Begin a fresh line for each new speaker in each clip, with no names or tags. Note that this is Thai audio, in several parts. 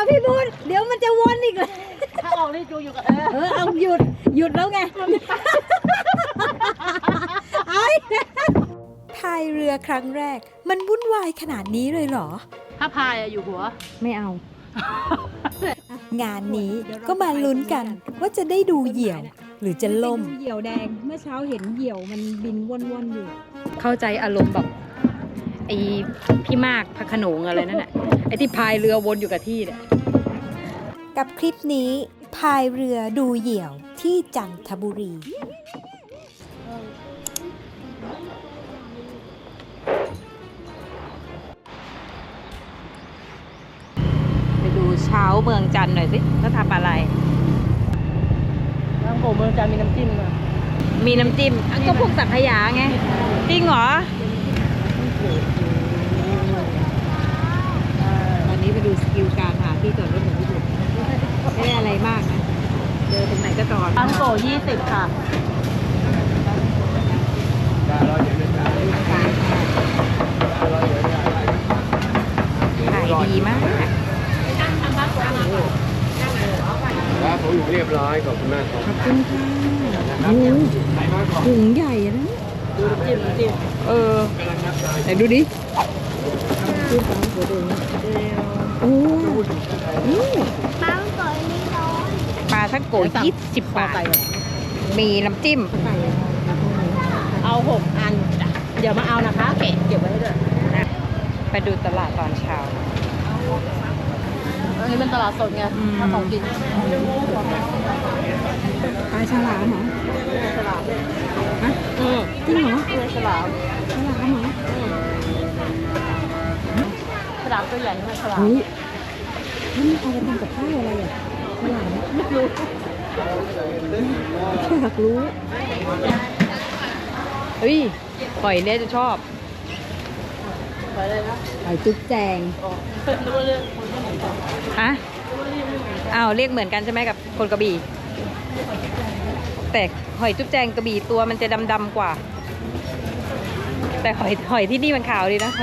พี่บุญเดี๋ยวมันจะวนอีกเลย
ถ้าออกนี่จูอยู่กับ
เอาหยุดแล้วไง
พายเรือครั้งแรกมันวุ่นวายขนาดนี้เลยเหรอ
ถ้าพายอยู่หัว
ไม่เอา
งานนี้ก็มาลุ้นกันว่าจะได้ดูเหยี่ยวหรือจะล่ม
เหยี่ยวแดงเมื่อเช้าเห็นเหยี่ยวมันบินว่อนๆอยู่
เข้าใจอารมณ์แบบไอ้พี่มากพระโขนงอะไรนั่นแหละไอ้ที่พายเรือวนอยู่กับที่เนี่ย
กับคลิปนี้พายเรือดูเหยี่ยวที่จันทบุรี
ไปดูเช้าเมืองจันทร์หน่อยสิเขาทำอะไร
น้ำโขงเมืองจันทร์มีน้ำจิ้มอ่ะ
มีน้ำจิ้มก็พวกสังขยาไงจริงเหรอวันนี้ไปดูสกิลการหาที่จอดรถของพี่บุญไม่ได้อะไรมากนะเจอตรงไหนก็จอด
น้ำโขง20ค่ะ
ขายดีมาก
ครับผมอยู่เรียบร้อยขอบคุณมากครับ
ขอบคุณค่ะถุงใหญ่นะ
ดูจิ้ม
ไหนดูดิ
โอ้
ปลาทั้งโกะ20 บาทมีน้ำจิ้ม
เอา6 อันจ้ะเดี๋ยวมาเอานะคะเก็บไว้ให้ด้วย
ไปดูตลาดตอนเช้า
อันนี้เป็นตลาดสดไงถ้าของกิน
ปลาฉลามเหรอ
ฉลาม
ฮะจริงเหรอ
ฉลาม
เหรอ
ฉลามตัวใหญ่ไหมฉลาม
นี่เอาไปทำกับข้าวอะไรอ่ะฉลาม
ไม่รู้
อยากรู้
เฮ้ยหอยเนี่ยจะชอบ
ไปเลยนะ
หอยจุ๊บแจง
ฮะอ้าวเรียกเหมือนกันใช่ไหมกับคนกระบี่แต่หอยจุ๊บแจงกระบี่ตัวมันจะดำๆกว่าแต่หอยที่นี่มันขาวดีนะ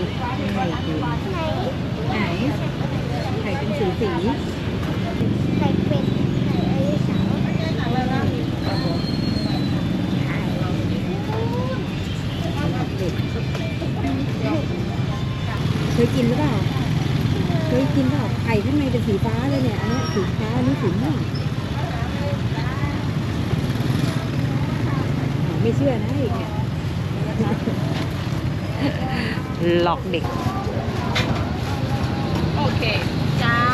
ไหนไข่เป็นสี
ไข่เป็ดไข่ไอ้สาว
เคยกินหรือเปล่าไข่ข้างในเป็นสีฟ้าเลยเนี่ยอันนี้สีฟ้าอันนี้สีม่วงไม่เชื่อนะอีกเนี่ย
หลอกเด็ก
โอเคจ้า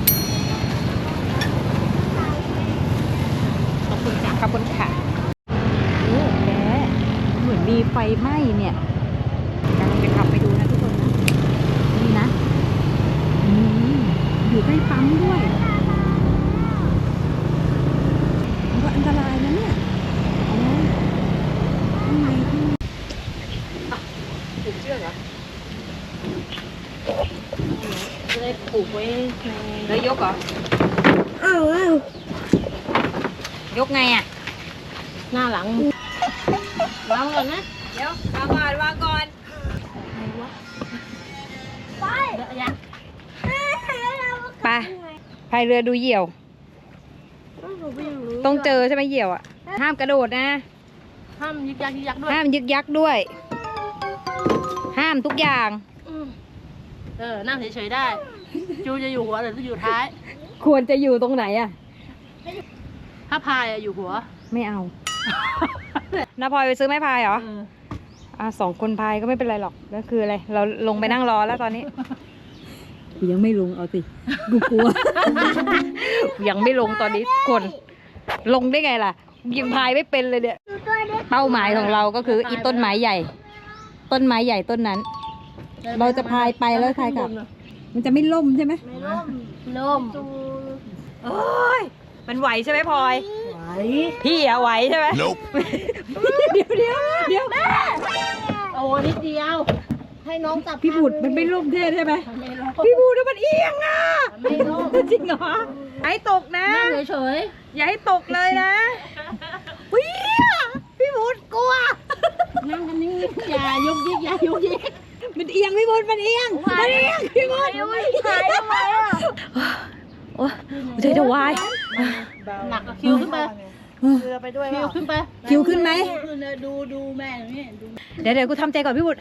ขอบคุณค่ะขอบคุณค่ะโอ้แกเหมือนมีไฟไหม้เนี่ยกำลังจะขับไปดูนะทุกคนนะนี่นะ
อยู่ใกล้ปั๊มด้วยมันก็อันตรายนะเนี่ยข้างใน
ถูกเชือกเหรอจะได้ผูกไว้
แล้วยกเหรอยกไงอ่ะ
หน้าหลังวางก่อนนะ
เดี๋ยววางก่อน
ไป
ไปพายเรือดูเหยี่ยวต้องเจอใช่ไหมเหยี่ยวอ่ะห้ามกระโดดนะ
ห้ามยึกยักด้วย
ห้ามยึกยักด้วย ห้ามทุกอย่าง
นั่งเฉยๆได้จูจะอยู่หัวหรือจะอยู่ท้าย
ควรจะอยู่ตรงไหนอ่ะ
ถ้าพายอยู่หัว
ไม่เอาน้าพลอยไปซื้อไม้พายเหรอ2 คนพายก็ไม่เป็นไรหรอกก็คืออะไรเราลงไปนั่งรอแล้วตอนนี้
ยังไม่ลงเอาสิกูกลัว
ยังไม่ลงตอนนี้คนลงได้ไงล่ะยังพายไม่เป็นเลยเนี่ยเป้าหมายของเราก็คืออีต้นไม้ใหญ่ต้นนั้นเราจะพายไปแล้วพายกลับ
มันจะไม่ล่มใช่ไหม
ไม่ล่ม
โอ้ยมันไหวใช่ไหมพลอย
ไหว
พี่อะไหวใช่ไหมเดี๋ยว
โอ้นิดเดียวให้น้องจับ
พี่บุตรมันไม่ล่มเท่ใช่ไหมพี่บุตรมันเอียงอ่ะ
ไม่ล่ม
จริงเหรอให้ตกนะ
เฉย
อย่าให้ตกเลยนะพี่บุตรกลัว
นั่งกันนิ่งอย่ายุกยิก
มันเอียงพี่บุตรมันเอียงพี่บุตร
หายทำไมอ่ะ
โอ้ยใจจะวาย
หนักคิวขึ้นไปเรือไปด้วยคิวขึ้นไป
คิวขึ้นไหม
ขึ้นเลยดูแม่นี่ดู
เดี๋ยวกูทำใจก่อนพี่บุตร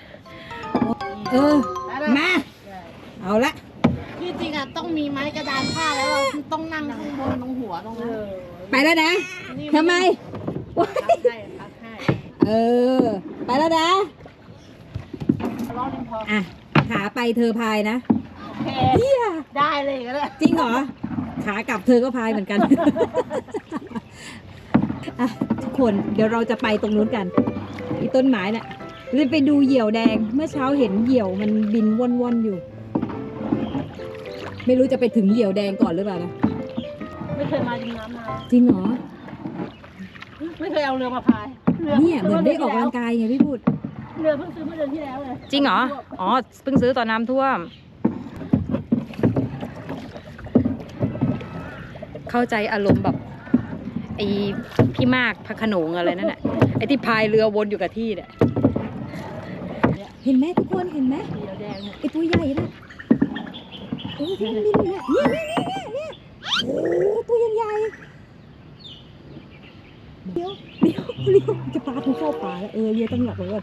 มา เอาละ
ที่จริงอ่ะต้องมีไม้กระดานผ้าแล้วเราต้องนั่งข้างบนตรงหัวตรงนั้น
ไปแล้วนะทำไม
พักให้
เออ ไปแล้วนะ
รอดพอ
อ่ะ ขาไปเธอพายนะ
โอเค
เฮีย
ได้เลยก็ได้
จริงเหรอ ขากลับเธอก็พายเหมือนกัน อ่ะทุกคนเดี๋ยวเราจะไปตรงนู้นกันอีต้นไม้น่ะเลยไปดูเหยี่ยวแดง เมื่อเช้าเห็นเหยี่ยวมันบินว่อนๆอยู่ ไม่รู้จะไปถึงเหยี่ยวแดงก่อนหรือเปล่านะ
ไม่เคยมาดินน้ำมา
จริงเหรอ
ไม่เคยเอาเรือมาพาย
เนี่ยเหมือนได้ออกกำลังกายไงพี่พูด
เรือเพิ่งซื้อเมื่อเดือนที่แล้วเลย
จริงเหรอ อ๋อ เพิ่งซื้อตอนน้ำท่วม เข้าใจอารมณ์แบบไอ้พี่มากพระโขนงอะไรนั่นแหละไอ้ที่พายเรือวนอยู่กับที่เนี่ยเห็นไหมทุกคนเห็นไหม
เรือแดง
ไอ้ตัวใหญ่น่ะโอ้ยที่มันบินอยู่เนี่ยโอ้ตัวใหญ่ๆเดี๋ยวจะปลาทุกเข้าป่าแล้วเรียต้องหลับเลยก่อน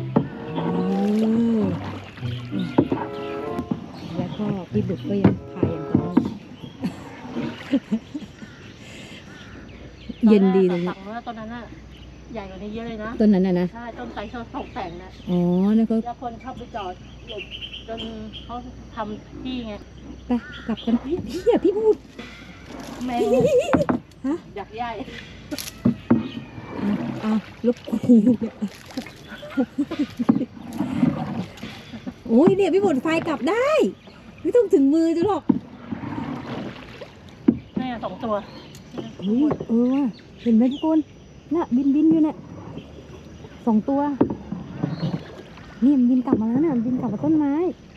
แล้วก็พี่บุตรก็ยังพายอย่างต่อเนื่องเย็นดีตรงนี้
ว่าตอนนั้นน่ะใหญ่กว่านี้เยอะเลยนะ
ต้นนั้นนะ
ใช่ต้นไทรเขาตกแต่งนะ
อ๋อแล้วก็
แล้วคนเข้าไปจอดหลบจนเขาทำที่ไง
ไปกลับกันพี่พูด
แมว
ฮะ
อยากใหญ่
ลบกูเนี่ยโอ้ยเนี่ยพี่บุตรไฟกลับได้ ไม่ต้องถึงมือจะหรอก
นี่2 ตัว
เฮ้ยว่ะเห็นไหมทุกคนน่ะบินอยู่เนี่ย2 ตัวนี่มันบินกลับมาแล้วน่ะบินกลับมาต้นไม้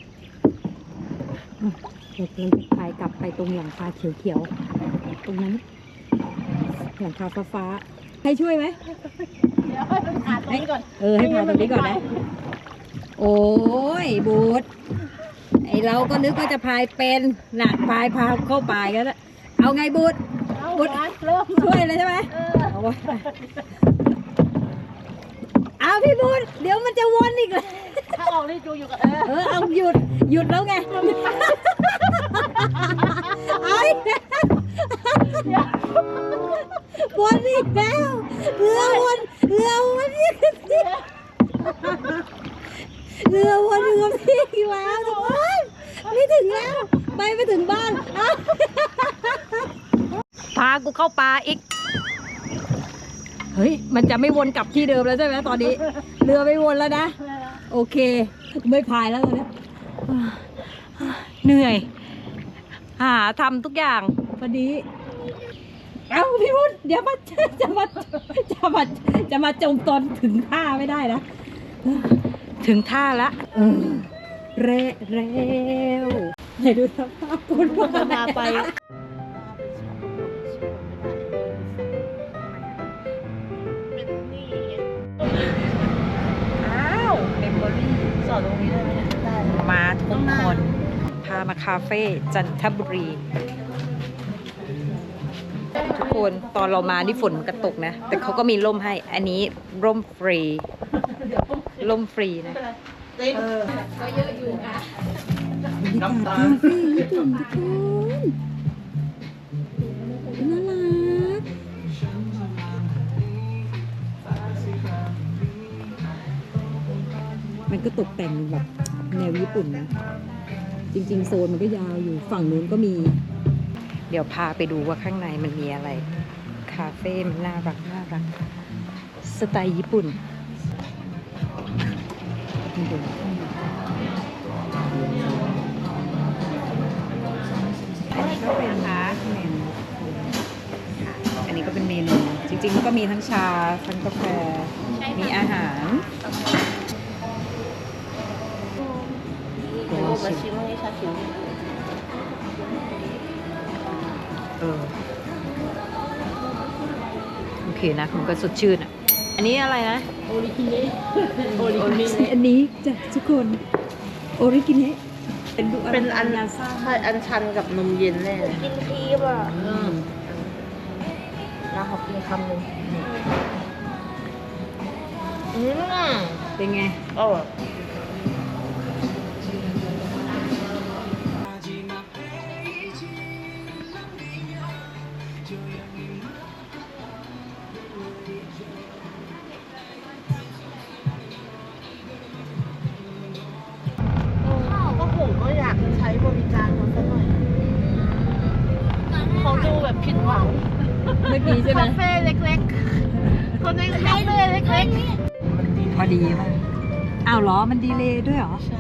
เดี๋ยวเราจะพายกลับไปตรงหลังคาเขียวๆตรงนั้นหลังคาฟ้าๆให้ช่วยไหม
เดี๋ยวให้มันผ่านตรงนี้ก่อน
ให้พาตรงนี้ก่อนนะ โอ้ยบูดไอเราก็นึกว่าจะพายเป็นน่ะพาเข้าป่ากันแล้วเอาไงบูด
เอาเริ่ม
ช่วยเลยใช่ไหมเอาไว้เอาพี่บูดเดี๋ยวมันจะวนอีกเลย
ถ้าออกนี่จูอยู่กับ
เอาหยุดแล้วไงไอ้วนอีกแล้วเรือวนอีกเรือวนพี่แล้วทุกคนไม่ถึงแล้วไม่ถึงบ้านพากูเข้าป่าอีกเฮ้ยมันจะไม่วนกลับที่เดิมแล้วใช่ไหมตอนนี้เรือไม่วนแล้วนะโอเคไม่พายแล้วตอนนี้เหนื่อยทำทุกอย่างพอดีเอาพี่พุทธเดี๋ยวจะมาจมตอนถึงท่าไม่ได้นะถึงท่าละแล้วไหนดูสภาพคนมาไปเมมโมรี่
สอดตรงนี้ได้ไหมได้
มาทุกคนพามาคาเฟ่จันทบุรีทุกคนตอนเรามานี่ฝนมันกระตกนะแต่เขาก็มีร่มให้อันนี้ร่มฟรีนะก็เยอะอยู่ค่ะน้ำตาลคาเฟ่ญี่ปุ่นทุกคนน่ารักมันก็ตกแต่งแบบแนวญี่ปุ่นนะจริงๆโซนมันก็ยาวอยู่ฝั่งนู้นก็มีเดี๋ยวพาไปดูว่าข้างในมันมีอะไรคาเฟ่มันน่ารักสไตล์ญี่ปุ่นก็เป็นเมนูอันนี้ก็เป็นเมนูจริงๆมันก็มีทั้งชาทั้งกาแฟมีอาหาร
โอ้มาชิมให้ชาชิม
โอเคนะมันก็สดชื่นอ่ะอันนี้อะไรนะ
โอริกิเนะ
อันนี้จ้ะทุกคนโอริกิเนะ
เป็นอันใช่อันชันกับนมเย็นแน่เลย
กินครีมอ่ะ
แล้วขอกินคำหนึ่ง
เป็นไง
อร่อยก็ผมก็อยากจะใช้บริการเขาสักหน่อยเขาดูแบบผิดหวัง
เมื่อกี้ใช่ไหม
คาเฟ่เล็กๆคนในคาเฟ่เล็กๆ
พอดีมากอ้าวเหรอ มันดีเลย์ด้วยเหรอ
ใช่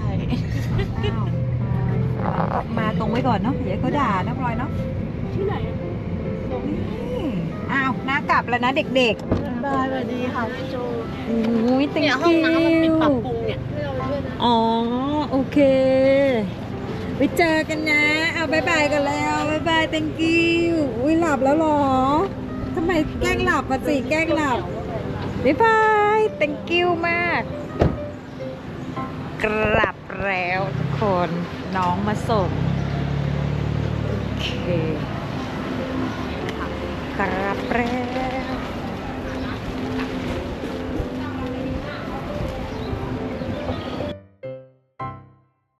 อ้าวมาตรงไว้ก่อนเนาะ เดี๋ยวเขาด่านะพลอยเนาะ ที่ไหนนี่อ้าวน้ากลับแล้วนะเด็ก
ได้สวัสดีค่ะพี่โจ
ๆโอ้ย thank
เนี่ยห้องน้ำมันปิดปรับ
you
ปรุงเนี่ย
อ๋อ โอเค ไว้เจอกันนะ เอาบายบายกันแล้วบายบาย thank you อุ้ยหลับแล้วเหรอ ทำไมแกล้งหลับมาสิ แกล้งหลับ บ๊ายบาย thank you มาก กลับแล้วทุกคน น้องมาส่ง โอเค กลับแล้ว